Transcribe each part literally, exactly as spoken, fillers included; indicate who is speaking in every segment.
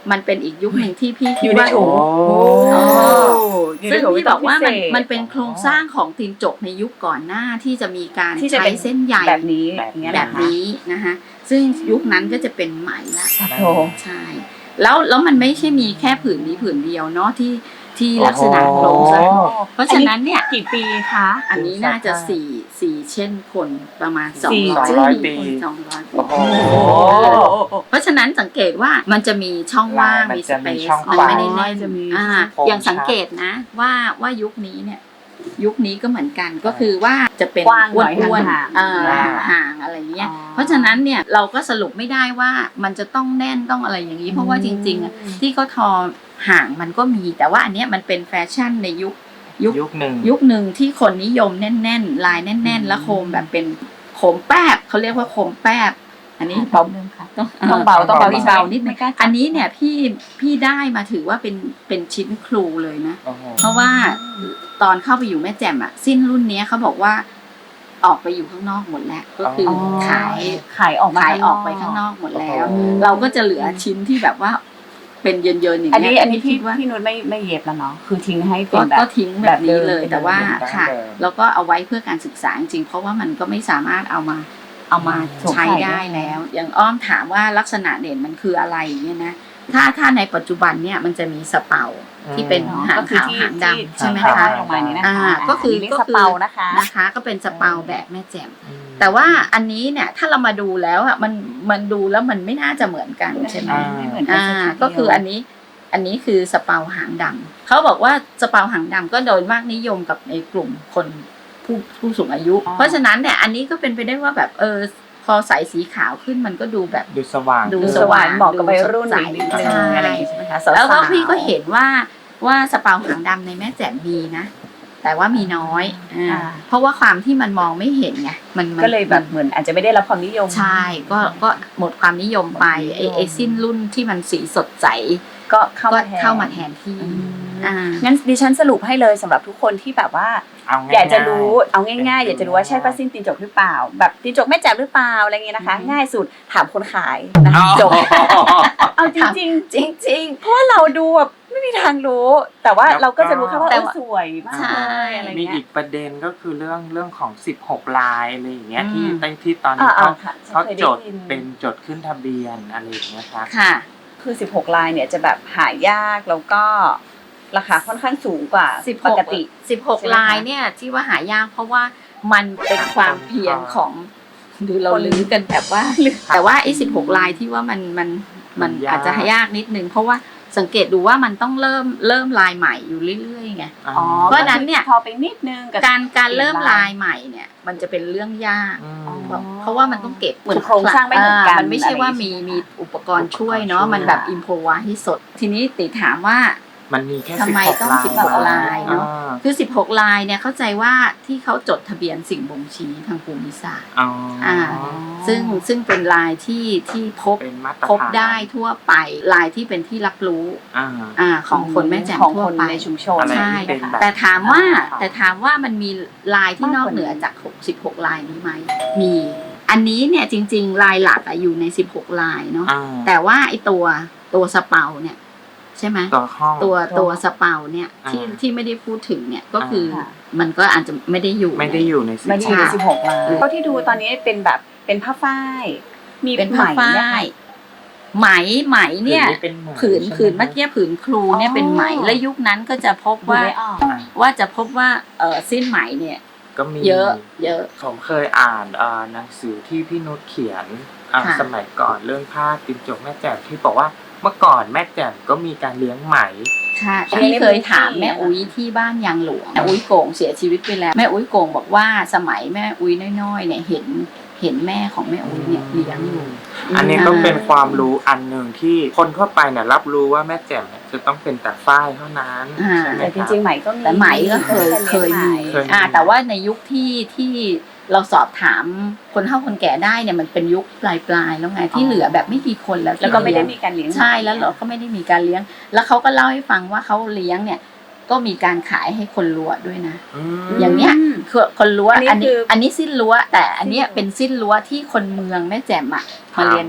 Speaker 1: มันเป็นอีกยุคหนึ่งที่พี่คิด
Speaker 2: อยู่ใน
Speaker 1: ว่า
Speaker 2: ถุง
Speaker 1: ซึ่งพี่บอกว่ามันมันเป็นโครงสร้างของตีนจกในยุคก่อนหน้าที่จะมีการใช้เส้นใย
Speaker 2: แบบนี้
Speaker 1: แบบนี้นะคะซึ่งยุคนั้นก็จะเป็นไหมละ
Speaker 2: โอ้
Speaker 1: ใช่แล้วแล้วมันไม่ใช่มีแค่ผืนนี้ผืนเดียวเนาะที่ที่ลักษณะโครงสร้างเพราะฉะนั้นเนี่ย
Speaker 2: กี่ปีคะ
Speaker 1: อันนี้น่าจะสี่สี่เช่นคนประมาณสอง
Speaker 2: สี่
Speaker 1: ร้อย
Speaker 3: ปี
Speaker 1: สองร้อยปี
Speaker 3: โอ้โห
Speaker 1: เพราะฉะนั้นสังเกตว่ามันจะมีช่องว่าง
Speaker 3: มัน
Speaker 1: มีส
Speaker 3: จะ
Speaker 1: เป
Speaker 3: มี
Speaker 1: ซ
Speaker 3: ช่อง
Speaker 1: มัน
Speaker 3: ว่าง
Speaker 1: ไม่ได้แน่น
Speaker 2: จะมี
Speaker 1: อ่า
Speaker 3: โครง
Speaker 1: อย่างสังเกตนะว่าว่ายุคนี้เนี่ยยุคนี้ก็เหมือนกันก็คือว่าจะเป็น
Speaker 2: กว้างหน่อย
Speaker 1: อ้วน
Speaker 2: ห่างๆ
Speaker 1: ๆอ่า
Speaker 3: อ่า
Speaker 1: ห่างอะไรเงี้ย
Speaker 2: อ๋อ
Speaker 1: เพราะฉะนั้นเนี่ยเราก็สรุปไม่ได้ว่ามันจะต้องแน่นต้องอะไรอย่างนี้เพราะว่าจริงๆอะที่เขาทอห่างมันก็มีแต่ว่าอันเนี้ยมันเป็นแฟชั่นในยุคยุค
Speaker 3: ยุคหนึ่ง
Speaker 1: ยุคหนึ่งที่คนนิยมแน่นๆลายแน่น ๆ แล้วโคมแบบเป็นโคมแป๊บเขาเรียกว่าโคมแป๊บอันนี้
Speaker 2: เบา
Speaker 1: ต้อง
Speaker 2: ต้องเบาต้องเบา
Speaker 1: เบานิดนึ
Speaker 2: ไม่
Speaker 1: ง
Speaker 2: กล้าจับ
Speaker 1: อันนี้เนี่ยพี่พี่ได้มาถือว่าเป็นเป็นชิ้นครูเลยนะ
Speaker 3: โอ้โห
Speaker 1: เพราะว่าตอนเข้าไปอยู่แม่แจ่มอะสิ้นรุ่นเนี้ยเขาบอกว่าออกไปอยู่ข้างนอกหมดแล้วก็คืออ
Speaker 2: อ
Speaker 1: ขาย
Speaker 2: ขายออกมา
Speaker 1: ขาย
Speaker 2: ข้ง
Speaker 1: ออกไปข้างนอกหมดแล้ว
Speaker 3: โอ้โห
Speaker 1: เราก็จะเหลือชิ้นที่แบบว่าเป็นเยินๆอย่าง
Speaker 2: อัน
Speaker 1: เงี้
Speaker 2: นี้
Speaker 1: ย
Speaker 2: อันนี้พี่
Speaker 1: คิดว่า
Speaker 2: พี่นุชไม่ไม่เย็บแล้วเนาะคือทิ้งให้เป็
Speaker 1: ก็
Speaker 2: นแบบ
Speaker 1: ก็ทิ้งแบบนี้เลย
Speaker 2: แบบเดิม
Speaker 1: แต่ว่า
Speaker 3: เป็นแบบ
Speaker 1: ค่ะ
Speaker 3: เดิม
Speaker 1: แล้วก็เอาไว้เพื่อการศึกษาจริงๆเพราะว่ามันก็ไม่สามารถเอามาเอามาใช้ได้แล้ว อย่างอ้อมถามว่าลักษณะเด่นมันคืออะไรเนี่ยนะถ้าถ้าในปัจจุบันเนี่ยมันจะมีสเปาที่เป็น
Speaker 2: เนาะ
Speaker 1: หาง
Speaker 2: ก็คือ
Speaker 1: ขาว
Speaker 2: ที่
Speaker 1: หาง
Speaker 2: ที่
Speaker 1: ดำใช่ไหม
Speaker 2: ที่
Speaker 1: คะ
Speaker 2: ห้อยลงมานี้นะคะ
Speaker 1: อ่าก็คือ
Speaker 2: อันนี้
Speaker 1: ก็
Speaker 2: ส
Speaker 1: คือ
Speaker 2: เปานะคะ
Speaker 1: นะคะก็เป็นสเปาแบบแม่แจ่ม
Speaker 3: อืม
Speaker 1: แต่ว่าอันนี้เนี่ยถ้าเรามาดูแล้วอะมันมันดูแล้วมันไม่น่าจะเหมือนกันใช่ไหม
Speaker 3: อ่า
Speaker 2: ไม่เหมือนกัน
Speaker 1: อ่า
Speaker 2: สัทีเดียว
Speaker 1: ก็คืออันนี้อันนี้คือสเปาหางดำเขาบอกว่าสเปาหางดำก็โดยมากนิยมกับในกลุ่มคนผู้ผู้สูงอายุ
Speaker 2: อ๋อ
Speaker 1: เพราะฉะนั้นเนี่ยอันนี้ก็เป็นไปได้ว่าแบบเออพอใส่สีขาวขึ้นมันก็ดูแบบ
Speaker 3: ดูสว่าง
Speaker 1: ดู
Speaker 2: ดู
Speaker 1: ส
Speaker 2: ส
Speaker 1: ว่า
Speaker 2: ว่าง งเหมาะกับวัยรุ่น
Speaker 1: ดูสดใส
Speaker 2: นิดนึง
Speaker 1: ใช่
Speaker 2: อะไรอย่างงี้ใช่ไหมคะสา
Speaker 1: แล้วก็
Speaker 2: ๆ
Speaker 1: พี่ก็เห็นว่าว่าสเปาหางดำในแม่แจ่มมีนะ แต่ว่ามีน้อยอ่า
Speaker 2: อ่า
Speaker 1: เพราะว่าความที่มันมองไม่เห็นไงมันมัน
Speaker 2: ก็เลยแบบเหมือนอาจจะไม่ได้รับความนิยม
Speaker 1: ใช่ก็ก็หมดความนิยมไปไอไอสิ้นรุ่นที่มันสีสดใส
Speaker 2: ก็เข้า
Speaker 1: ก็
Speaker 2: มาแทน
Speaker 1: เข้ามาแทนที่
Speaker 2: อืม
Speaker 1: อ่า
Speaker 2: งั้นดิฉันสรุปให้เลยสำหรับทุกคนที่แบบว่า
Speaker 3: เอาง่ายๆ
Speaker 2: อยากจะรู้เอาง่ายๆ
Speaker 3: เป็น
Speaker 2: อยากจะรู้ว่าใช่ป้าสิ้นตีนจกหรือเปล่า แบบตีนจกแม่แจ่มหรือเปล่าอะไรเงี้ยนะคะ
Speaker 1: อืม
Speaker 2: ง่ายสุดถามคนขายนะ
Speaker 3: อ๋อ
Speaker 2: จบเอาจริงๆ
Speaker 1: จริงจริง
Speaker 2: เพราะว่าเราดูแบบไม่มีทางรู้ แต่ว่า
Speaker 3: แล้วก็
Speaker 2: เราก็จะรู้แค่ว่า
Speaker 1: แต่
Speaker 2: เออ
Speaker 1: ว่า
Speaker 2: สวยมาก
Speaker 1: ใช่
Speaker 2: เลยอะไร
Speaker 3: มี
Speaker 2: เงี้
Speaker 3: อี
Speaker 2: ย
Speaker 3: กประเด็นก็คือเรื่องเรื่องของสิบหกลายอะไรอย่างเงี้ย
Speaker 1: อืม
Speaker 3: ที่ตั้งที่ตอนนี้
Speaker 2: อ่า
Speaker 3: เขา
Speaker 2: ๆค่ะฉัน
Speaker 3: เขา
Speaker 2: เคยได้
Speaker 3: จด
Speaker 2: ยิน
Speaker 3: เป็นจดขึ้นทะเบียนอะไรอย่างเงี้ยครับ
Speaker 1: ค่ะ
Speaker 2: คือสิบหกลายเนี่ยจะแบบหายากแล้วก็ราคาค่อนข้างสูงกว่า
Speaker 1: สิบห
Speaker 2: ป
Speaker 1: ก
Speaker 2: กติ
Speaker 1: สิบหก
Speaker 2: ใช่ไหมคะ
Speaker 1: ลายเนี่ยที่ว่าหายากเพราะว่ามันเป็นความเพียรของดูเราลื้อกันแบบว่า แต่ว่าไอ้สิบหกลายที่ว่ามันมันมัน
Speaker 3: มันยาก
Speaker 1: อาจจะยากนิดนึงเพราะว่าสังเกตดูว่ามันต้องเริ่มเริ่มลายใหม่อยู่เรื่อยๆไง
Speaker 2: อ๋อ
Speaker 1: เพราะฉะนั้นเนี่ย
Speaker 2: พอไปนิดนึงกับ
Speaker 1: การการเริ่ม
Speaker 2: เปลี่ยนลาย
Speaker 1: ลายใหม่เนี่ยมันจะเป็นเรื่องยาก
Speaker 3: อืม
Speaker 2: อ๋อ
Speaker 1: เพราะว่ามันต้องเก็บ
Speaker 2: คือโครงสร้างไม่เหมือนกัน
Speaker 1: มันไม่ใช่ว่ามี
Speaker 2: อะไรอย่างงี้
Speaker 1: มีอุปกรณ์ช่วยเนาะ
Speaker 3: อุปกรณ์ช่วย
Speaker 1: มันแบบอิมพอไวให้สด ทีนี้ติถามว่า
Speaker 3: มันมีแค่
Speaker 1: ทำไม
Speaker 3: สิบหก
Speaker 1: ต้อง
Speaker 3: ลาย
Speaker 1: สิบหกลายเนอะ
Speaker 3: อ่า
Speaker 1: คือสิบหกลายเนี่ยเข้าใจว่าที่เขาจดทะเบียนสิ่งบ่งชี้ทางภูมิศาสตร์
Speaker 3: อ๋ออ่า
Speaker 1: อ่า ซึ่งซึ่งเป็นลายที่ที่พบ
Speaker 3: เป็นมาตรฐาน
Speaker 1: พบได้ทั่วไปลายที่เป็นที่รับรู้
Speaker 3: อ่า
Speaker 1: อ่าของคนแม่แจ่ม
Speaker 2: ของ
Speaker 1: ทั่ว
Speaker 2: คน
Speaker 1: ไป
Speaker 2: ในชุมชน
Speaker 3: อะไร
Speaker 1: ใช่
Speaker 3: ที่เป็นแบบ
Speaker 1: แต่ถามว่า
Speaker 3: อ่า
Speaker 1: แต่ถามว่ามันมีลายที่นอกเหนือจากสิบหกลายนี้ไหมมี อันนี้เนี่ยจริงๆลายหลักอะอยู่ในสิบหกลายเนาะ
Speaker 3: อ่า
Speaker 1: แต่ว่าไอตัวตัวสเปาเนี่ยใช่ไหม
Speaker 3: ตัวห้อง
Speaker 1: ตัวตัวสเปาเนี่ยที่
Speaker 3: อ่า
Speaker 1: ที่ไม่ได้พูดถึงเนี่ยก็คืออา
Speaker 2: ค่ะ
Speaker 1: มันก็อาจจะไม่ได้อยู่
Speaker 3: ไม่ได้อยู่ในสิบ
Speaker 2: ไม่ได้อยู่ใน
Speaker 1: ค่ะ
Speaker 2: สิบหกลายเท่าที่ดูตอนนี้เป็นแบบเป็นผ้าฝ้ายมี
Speaker 1: เป็นผ้า
Speaker 2: ไหม
Speaker 1: ฝ้า
Speaker 2: เนี่ยค่ะ
Speaker 1: ยไหมไหมเนี่ย
Speaker 3: เป็นไหม
Speaker 1: ผืน
Speaker 3: ใช่ไหม
Speaker 1: ผืนเมื่อกี้ผืนครูเนี่ย
Speaker 2: อ๋อ
Speaker 1: เป็นไหมและยุคนั้นก็จะพบ
Speaker 2: ดู
Speaker 1: ว่า
Speaker 2: ไม่ออก
Speaker 1: ว่าจะพบว่าเออสิ้นไหมเนี่ย
Speaker 3: ก็มี
Speaker 1: เยอะเยอะ
Speaker 3: ผมเคยอ่านเอ่อหนังสือที่พี่นุชเขียนอ่า
Speaker 1: ค่ะ
Speaker 3: สมัยก่อนเรื่องผ้าตินจกแม่แจ่มที่บอกว่าเมื่อก่อนแม่แจ่มก็มีการเลี้ยงไหม
Speaker 1: ค่ะ
Speaker 2: ใช่
Speaker 1: พี่เคยถาม
Speaker 2: ในพื้นที่
Speaker 1: แม่อุ้ยที่บ้านยางหลวงแม่อุ้ยโก่งเสียชีวิตไปแล้วแม่อุ้ยโก่งบอกว่าสมัยแม่อุ้ยน้อยๆเนี่ยเห็นเห็นแม่ของแม่อุ้ยเนี่ยเลี้ยงอยู่
Speaker 3: อันนี้ก็เป็นความรู้อันหนึ่งที่คนทั่วไปเนี่ยรับรู้ว่าแม่แจ่มเนี่ยจะต้องเป็นแต่ฝ้ายเท่านั้น
Speaker 1: อ่า
Speaker 3: ใช่ไหม
Speaker 2: แต่
Speaker 3: ค
Speaker 2: จ
Speaker 3: รับ
Speaker 2: ริงๆไหมก็มี
Speaker 1: แต่ไหมก็เคยเคยมี
Speaker 3: เคยมี
Speaker 1: อ่าแต่ว่าในยุคที่ที่เราสอบถามคนเฒ่าคนแก่ได้เนี่ยมันเป็นยุคปลายปลายๆแล้วไงที่เหลือแบบไม่กี่คนแล้วที่
Speaker 2: แล้วก็ไม่ได้
Speaker 1: เลี้ยง
Speaker 2: มีการเลี้ยง
Speaker 1: ใช่แล้วเราก็ไม่ได้มีการเลี้ยง แล้วเขาก็เล่าให้ฟังว่าเขาเลี้ยงเนี่ยก็มีการขายให้คนรั้วด้วยนะ
Speaker 3: อืม
Speaker 1: อย่างเนี้ย คือคนรั้ว
Speaker 2: อันนี้
Speaker 1: อันนี้
Speaker 2: คือ
Speaker 1: อันนี้สิ้นรั้ว แต่อันเนี้ย
Speaker 2: สิ้นรั้ว
Speaker 1: เป็นสิ้นรั้วที่คนเมืองแม่แจ่มอะมาเรียนแบบ
Speaker 3: อ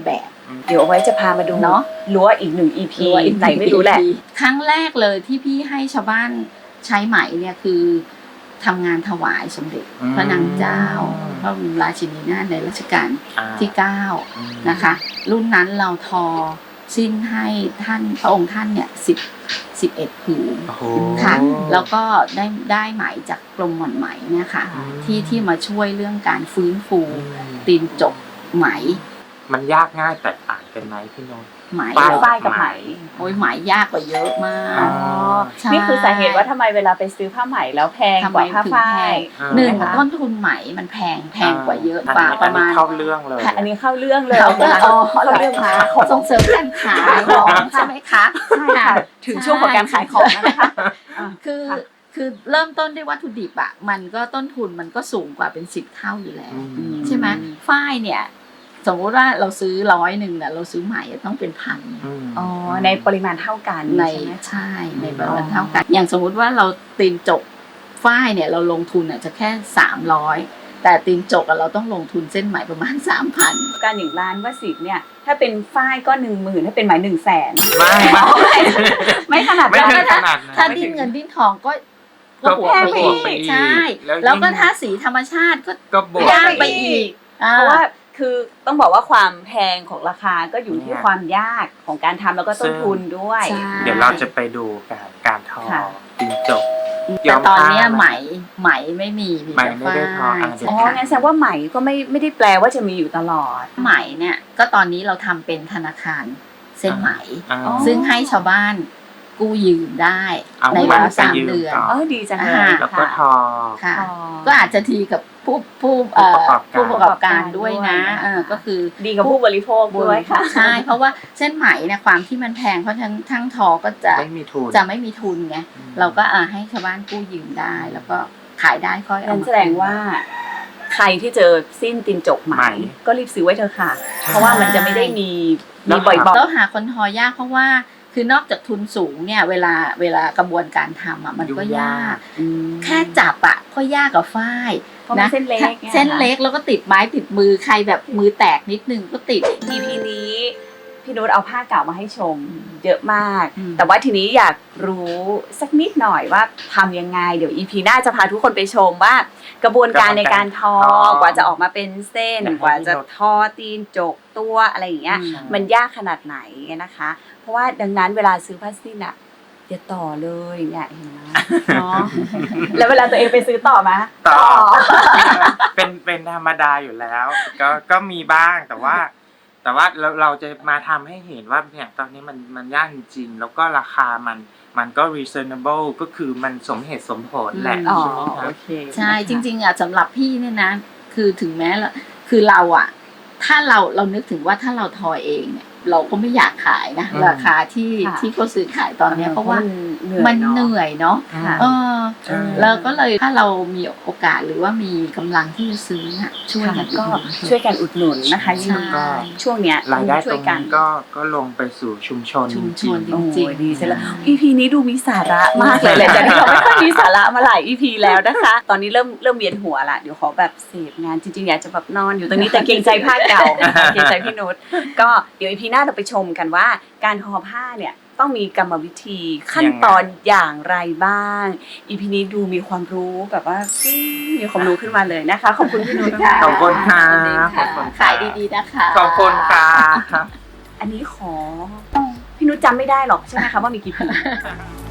Speaker 3: อืม
Speaker 2: เดี๋ยวเอาไว้จะพามาดู
Speaker 1: เนอะ
Speaker 2: รั้วอีกหนึ่ง อี พี
Speaker 1: รั้วอีก
Speaker 2: ไหนไม่รู้แหละ
Speaker 1: ครั้งแรกเลยที่พี่ให้ชาวบ้านใช้ไหมเนี่ยคือทำงานถวายสมเด็จ
Speaker 3: อืม
Speaker 1: พระนางเจ้าพระบรมราชินีนาถในรัชกาล
Speaker 3: อ่า
Speaker 1: ที่เก้า
Speaker 3: อืม
Speaker 1: นะคะ รุ่นนั้นเราทอสิ้นให้ท่านพระองค์ท่านเนี่ยสิบสิบเอ็ดผืน
Speaker 3: โอ้โห
Speaker 1: ค่ะ แล้วก็ได้ได้ไหมจากกรมหม่อนไหมเนี่ยค่ะ
Speaker 3: อืม
Speaker 1: ที่ที่มาช่วยเรื่องการฟื้นฟู
Speaker 3: อืม
Speaker 1: ตีนจกไหม
Speaker 3: มันยากง่ายแตกต่างกันไหมพี่นนท์
Speaker 1: ไหม
Speaker 3: ฝ้าย
Speaker 2: ฝ้ายกับไหม
Speaker 1: โอ้ยไหมยากกว่าเยอะมา
Speaker 3: อ๋
Speaker 1: ก
Speaker 3: อ
Speaker 1: ใช่
Speaker 2: นี่คือสาเหตุว่าทำไมเวลาไปซื้อผ้าไหมแล้วแพง
Speaker 1: ทำ
Speaker 2: ก
Speaker 1: ไม
Speaker 2: ว่าผ้า
Speaker 1: ถึง
Speaker 2: ฝ้า
Speaker 1: แพ
Speaker 2: ย
Speaker 1: ง
Speaker 3: อ่า
Speaker 1: หนึ่ง
Speaker 2: นะคะ
Speaker 1: ต้นทุนไหมมันแพงแพงกว่าเยอะ
Speaker 3: อัน
Speaker 1: กว่า
Speaker 3: นี้
Speaker 1: ประมาณ
Speaker 3: อันนี้เข้าเรื่องเลย
Speaker 2: ค่ะอันนี้เข้าเรื่องเลย
Speaker 1: เขาก็
Speaker 2: นะคะ
Speaker 1: อ๋อ
Speaker 2: เข้าเรื่องมา
Speaker 1: ส่งเสริมการขายของใช่ไหมคะ
Speaker 2: ใช่ค่ะถึงช่วงของการขายของแล้วนะคะอ่ะ
Speaker 1: คือ
Speaker 2: ค่ะ
Speaker 1: คือเริ่มต้นด้วยวัตถุดิบอ่ะมันก็ต้นทุนมันก็สูงกว่าเป็นสิบเท่าอยู่แล้ว
Speaker 3: อืม
Speaker 1: ใช่ไหมฝ้ายเนี่ย สมมติว่าเราซื้อร้อยหนึ่งเนี่ยเราซื้อไหมต้องเป็นพัน
Speaker 3: อืม
Speaker 2: อ๋อในปริมาณเท่ากัน
Speaker 1: ใน
Speaker 2: ใช่ไหมคะ
Speaker 1: ใช่ในประมาณเท่ากัน อย่างสมมุติว่าเราตีนจกฝ้ายเนี่ยเราลงทุนอ่ะจะแค่สามร้อยแต่ตีนจกอะเราต้องลงทุนเส้นไหมประมาณสามพัน
Speaker 2: การอย่างร้านว่าสิบเนี่ยถ้าเป็นฝ้ายก็หนึ่งหมื่นถ้าเป็นไหมหนึ่งแสน
Speaker 3: ไม่ไม่
Speaker 2: ไม่ขนาด
Speaker 3: ไม่
Speaker 2: นั้น
Speaker 3: ถึงขนาดนั้น
Speaker 1: ถ้า
Speaker 3: ไม่
Speaker 1: ดิ้
Speaker 3: ถึ
Speaker 1: น
Speaker 3: ง
Speaker 1: เงินดิ้นทองก็
Speaker 3: ก็
Speaker 1: ก็บวกไป
Speaker 3: บวกไป
Speaker 1: อีก
Speaker 3: อีก
Speaker 1: ใช่
Speaker 3: แล้วยิ่ง
Speaker 1: แล้วก็ถ้าสีธรรมชาติก็
Speaker 3: ก็บวก
Speaker 1: ยาก
Speaker 3: ไป
Speaker 1: ไป
Speaker 3: อี
Speaker 1: อี
Speaker 3: ก
Speaker 1: กอ่า
Speaker 2: เพราะว่าคือต้องบอกว่าความแพงของราคาก็อยู่ที่
Speaker 3: เนี่ย
Speaker 2: ความยากของการทำแล้วก็ต้นทุนด้วย
Speaker 1: ใช่
Speaker 3: เดี๋ยวเราจะไปดูการการทอ
Speaker 2: ค่ะ
Speaker 3: จิงจก
Speaker 1: แต่ตอนเนี้ย
Speaker 3: ผ้า
Speaker 1: ไหมไหมไม่มีมี
Speaker 3: ไหม
Speaker 1: แต่
Speaker 3: ไม่ได้ทออ่ะ
Speaker 1: ฝ้าย
Speaker 2: อ๋อ
Speaker 1: ใช่
Speaker 2: งั้นแสดงว่าไหมก็ไม่ไม่ได้แปลว่าจะมีอยู่ตลอด
Speaker 1: ไหมเนี่ยก็ตอนนี้เราทำเป็นธนาคารเส้นไหม
Speaker 3: อ่า
Speaker 2: อ๋อ
Speaker 1: ซึ่งให้ชาวบ้านกู้ยืมได้
Speaker 3: เอา
Speaker 1: ใน
Speaker 3: ไหม
Speaker 1: เวลา
Speaker 3: ไป
Speaker 1: สาม
Speaker 3: ยืม
Speaker 1: เดือน
Speaker 3: ต่อ
Speaker 2: เออดีจังเลย
Speaker 1: อ่า
Speaker 3: แล้วก็ทอ
Speaker 1: ค่ะ
Speaker 2: อ๋อ
Speaker 1: ก็อาจจะทีกับผู้ผู้เอ่อ
Speaker 3: ผู้
Speaker 1: ผู้
Speaker 3: ป
Speaker 1: ประ ระ
Speaker 3: ก
Speaker 1: ก
Speaker 3: อ
Speaker 1: อ
Speaker 3: บบ การ
Speaker 1: การด้วยนะ
Speaker 2: ด้วยนะคะ
Speaker 1: เออก็คือ
Speaker 2: ดีกับผู้บริโภคด้วยค่ะ
Speaker 1: ใช่ เพราะว่าเส้นไหมเนี่ยความที่มันแพงเพราะฉะนั้นทั้งทอก็จะ
Speaker 3: ไม่มีทุน
Speaker 1: จะไม่มีทุนไง
Speaker 3: อืม
Speaker 1: เราก็อ่าให้ชาวบ้านกู้ยืมได้ แล้วก็ขายได้ค่อยเอา
Speaker 2: นั่น
Speaker 1: มา
Speaker 2: แสดงว่า ใครที่เจอสิ้นตินจกไหม
Speaker 3: ไหม
Speaker 2: ก็รีบซื้อไว้เถอะค่ะ
Speaker 3: ใช่
Speaker 2: เพราะว่ามันจะไม่ได้มี
Speaker 3: แล้
Speaker 2: มี
Speaker 3: ว
Speaker 2: บ่อย
Speaker 1: ต้องหาคนทอยากเพราะว่าคือนอกจากทุนสูงเนี่ยเวลาเวลากระบวนการทำอ่ะมันก็
Speaker 3: ยุ่งยาย
Speaker 1: าก ก
Speaker 2: ๆอืม
Speaker 1: แค่จับอ่ะก็ยากกับฝ้าย
Speaker 2: เพราะมันเส้นเล็กไง
Speaker 1: เส้นเล็กแล้วก็ติดไม้ติดมือใครแบบมือแตกนิดนึงก็ติด
Speaker 2: อี พี นี้พี่นุชเอาผ้าเก่ามาให้ชม เยอะมาก
Speaker 1: อืม
Speaker 2: แต่ว่าทีนี้อยากรู้สักนิดหน่อยว่าทำยังไง เดี๋ยว อี พี หน้าจะพาทุกคนไปชมว่า กระบวนการในการทอ
Speaker 3: กระบวนการทอก
Speaker 2: ว่าจะออกมาเป็นเส้น
Speaker 3: อยากให้
Speaker 2: กว่าจะ
Speaker 3: พี่นุช
Speaker 2: ทอตีนจกตัวอะไรอย่างเงี้ย
Speaker 1: อืม
Speaker 2: มันยากขนาดไหนนะคะ เพราะว่าดังนั้นเวลาซื้อผ้าสิ้นอะอย่าต่อเลยเนี่ยเห็นไหมเนาะ แล้วเวลาตัวเองไปซื้อต่อไหม
Speaker 3: ต่อ เป็นเป็นธรรมดาอยู่แล้ว ก็ก็มีบ้างแต่ว่า แต่ว่าเราเราจะมาทำให้เห็นว่าเนี่ยตอนนี้มันมันยากจริงๆแล้วก็ราคามันมันก็ reasonable ก็คือมันสมเหตุสมผลแหละ
Speaker 2: อ๋อ
Speaker 3: ใช่ไหมครั
Speaker 2: โอบ เค
Speaker 1: ใช่จริงๆอ่ะสำหรับพี่เนี่ยนะ คือถึงแม้ละคือเราอ่ะ ถ้าเราเรานึกถึงว่าถ้าเราทอเองเนี่ยเราก็ไม่อยากขายนะ
Speaker 3: อืม
Speaker 1: ราคาที่
Speaker 2: ค่ะ
Speaker 1: ที่เขาซื้อขายตอนเนี้ยเพราะว่า
Speaker 2: มั
Speaker 1: มัน น
Speaker 2: เห
Speaker 1: เห
Speaker 2: นื่อย
Speaker 1: นื่อยเนาะ
Speaker 2: ค่ะ
Speaker 1: เออ
Speaker 3: ใช่
Speaker 1: เราก็เลยถ้าเรามีโอกาสหรือว่ามีกำลังที่จะซื้อน่ะช่วย
Speaker 2: ค่ะ
Speaker 1: กัน
Speaker 2: ก็
Speaker 1: อุดหนุน
Speaker 2: ช่วยกันอุดหนุนนะคะ
Speaker 1: ใช่
Speaker 2: ยิ่งก็ช่วงเนี้ย
Speaker 3: รายได้
Speaker 2: ช่
Speaker 3: ต
Speaker 2: ว
Speaker 3: ร
Speaker 2: ย
Speaker 3: ง
Speaker 2: กั
Speaker 3: นั้น นก็ก็ลงไปสู่ชุมชน
Speaker 1: ชุมช
Speaker 3: จริง
Speaker 1: น
Speaker 3: ๆ
Speaker 1: จ
Speaker 2: โอ้
Speaker 1: ริง
Speaker 2: ย
Speaker 1: ๆ
Speaker 2: ดีเสร็จแล้ว อี พี นี้ดูมีสาระมากเลยหลังจากที่เราไม่ค่อยมีสาระมาหลาย อี พี แล้วนะคะ ตอนนี้เริ่มเริ่มเวียนหัวละเดี๋ยวขอแบบเสพงานจริงๆอยากจะแบบนอนอยู่ตรงนี้แต่เกรงใจผ้าเก่าเกรงใจพี่นุชก็เดี๋ยว อี พี หน้าเราไปชมกันว่าการทอผ้าเนี่ยต้องมีกรรมวิธีขั้นตอนอย่างไรบ้าง อี พี นี้ดูมีความรู้แบบว่าอืมมีความรู้ขึ้นมาเลยนะคะขอบคุณพี่นุชค่ะ
Speaker 3: ขอบคุณค่ะ
Speaker 1: สวัสดี
Speaker 3: ขอ
Speaker 1: ค่ะ
Speaker 3: บคุณค่ะ
Speaker 1: ขายดีๆนะคะ
Speaker 3: ขอบคุณค่ะ
Speaker 2: อันนี้ขอพี่นุชจำไม่ได้หรอกใช่ไหมคะว่ามีกี่ผืน